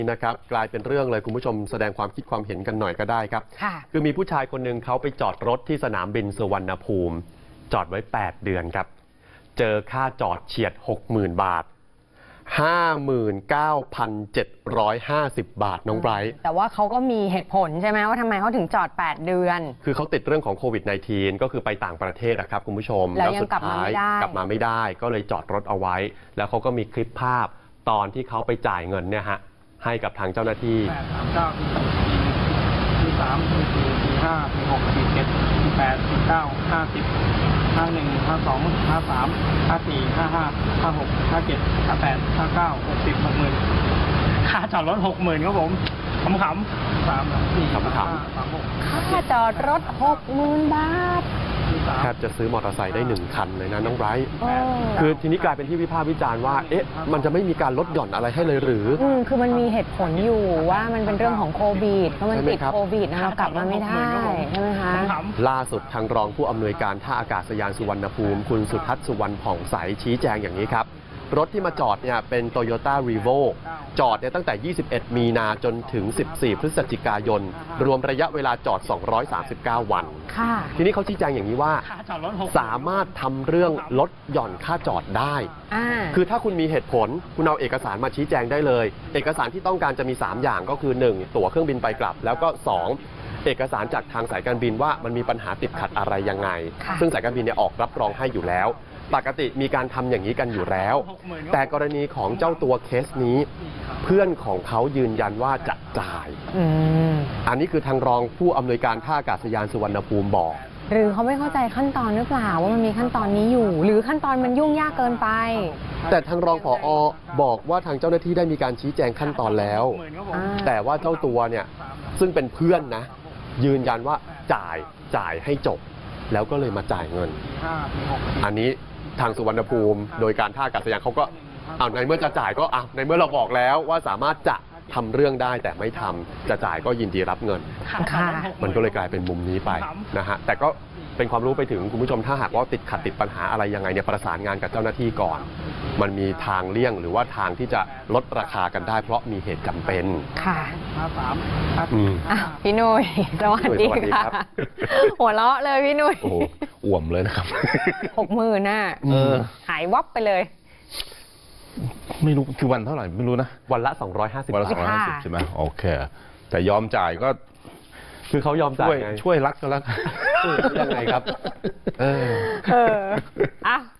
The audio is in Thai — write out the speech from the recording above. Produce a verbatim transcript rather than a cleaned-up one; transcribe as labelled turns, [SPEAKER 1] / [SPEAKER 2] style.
[SPEAKER 1] นะครับกลายเป็นเรื่องเลยคุณผู้ชมแสดงความคิดความเห็นกันหน่อยก็ได้ครับคือมีผู้ชายคนหนึ่งเขาไปจอดรถที่สนามบินสุวรรณภูมิจอดไว้แปดเดือนครับเจอค่าจอดเฉียด หกหมื่น บาท ห้าหมื่นเก้าพันเจ็ดร้อยห้าสิบ บาทน้องไบรท์
[SPEAKER 2] แต่ว่าเขาก็มีเหตุผลใช่ไหมว่าทำไมเขาถึงจอดแปดเดือน
[SPEAKER 1] คือเขาติดเรื่องของโควิด สิบเก้า ก็คือไปต่างประเทศนะครับคุณผู้ชม
[SPEAKER 2] แล้วยังกลับมาไม่ได้
[SPEAKER 1] กลับมาไม่ได้ก็เลยจอดรถเอาไว้แล้วเขาก็มีคลิปภาพตอนที่เขาไปจ่ายเงินเนี่ยฮะให้กับทางเจ้าหน้าที่
[SPEAKER 3] แปด สาม เก้า สี่ สาม สี่ สี่ สี่ ห้า สี่ หก สี่ เจ็ด สี่ แปด สี่ เก้า ห้า สิบ ห้า หนึ่ง ห้า สอง ห้า สาม ห้า สี่ ห้า ห้า ห้า หก ห้า เจ็ด ห้า แปด ห้า เก้า หก สิบ หกหมื่นค่าจอดรถ หกหมื่น ครับผมขำขำสาม สี่
[SPEAKER 1] ขำขำ
[SPEAKER 3] สาม หก
[SPEAKER 2] ค่าจอดรถ หกหมื่น บาท
[SPEAKER 1] แทบจะซื้อมอเตอร์ไซค์ได้หนึ่งคันเลยนะน้องไบรท์คือทีนี้กลายเป็นที่วิพากษ์วิจารณ์ว่าเอ๊ะมันจะไม่มีการลดหย่อนอะไรให้เลยหรือ
[SPEAKER 2] อืมคือมันมีเหตุผลอยู่ว่ามันเป็นเรื่องของโควิดเพราะมันติดโควิดนะเรากลับมาไม่ได้ใช่ไหมคะ
[SPEAKER 1] ล่าสุดทางรองผู้อำนวยการท่าอากาศยานสุวรรณภูมิคุณสุทัศน์สุวรรณผ่องใสชี้แจงอย่างนี้ครับรถที่มาจอดเนี่ยเป็น Toyota Revo จอดเนี่ยตั้งแต่ยี่สิบเอ็ดมีนาจนถึงสิบสี่พฤศจิกายนรวมระยะเวลาจอดสองร้อยสามสิบเก้าวันทีนี้เขาชี้แจงอย่างนี้ว่าสามารถทำเรื่องลดหย่อนค่าจอดได้คือถ้าคุณมีเหตุผลคุณเอาเอกสารมาชี้แจงได้เลยเอกสารที่ต้องการจะมีสามอย่างก็คือหนึ่งตั๋วเครื่องบินไปกลับแล้วก็สองเอกสารจากทางสายการบินว่ามันมีปัญหาติดขัดอะไรยังไงซึ่งสายการบินเนี่ยออกรับรองให้อยู่แล้วปกติมีการทำอย่างนี้กันอยู่แล้วแต่กรณีของเจ้าตัวเคสนี้เพื่อนของเขายืนยันว่าจะจ่ายอันนี้คือทางรองผู้อำนวยการท่าอากาศยานสุวรรณภูมิบอก
[SPEAKER 2] หรือเขาไม่เข้าใจขั้นตอนหรือเปล่าว่ามันมีขั้นตอนนี้อยู่หรือขั้นตอนมันยุ่งยากเกินไป
[SPEAKER 1] แต่ทางรองผอ.บอกว่าทางเจ้าหน้าที่ได้มีการชี้แจงขั้นตอนแล้วแต่ว่าเจ้าตัวเนี่ยซึ่งเป็นเพื่อนนะยืนยันว่าจ่ายจ่ายให้จบแล้วก็เลยมาจ่ายเงินอันนี้ทางสุวรรณภูมิโดยการท่าอากาศยานเขาก็เอาในเมื่อจะจ่ายก็อ่ะในเมื่อเราบอกแล้วว่าสามารถจะทำเรื่องได้แต่ไม่ทำจะจ่ายก็ยินดีรับเงินมันก็เลยกลายเป็นมุมนี้ไปนะฮะแต่ก็เป็นความรู้ไปถึงคุณผู้ชมถ้าหากว่าติดขัดติดปัญหาอะไรยังไงเนี่ยประสานงานกับเจ้าหน้าที่ก่อนมันมีทางเลี่ยงหรือว่าทางที่จะลดราคากันได้เพราะมีเหตุจำเป็น
[SPEAKER 2] ค่ะพี่นุ้ยสวัสดีค่ะหัวเราะเลยพี่นุ้ย
[SPEAKER 1] โอ้อ่วมเลยนะครับ
[SPEAKER 2] หกหมื่นน่ะหายวับไปเลย
[SPEAKER 4] ไม่รู้คือวันเท่าไหร่ไม่รู้นะ
[SPEAKER 1] วันละสองร้อยห้าสิบ
[SPEAKER 4] วันละสองร้อยห้าสิบใช่ไหมโอเคแต่ยอมจ่ายก็
[SPEAKER 1] คือเขายอมจ่าย
[SPEAKER 4] ช่วยรักก็แล้ว
[SPEAKER 1] ยังไงครับ
[SPEAKER 2] เออเอออ่ะ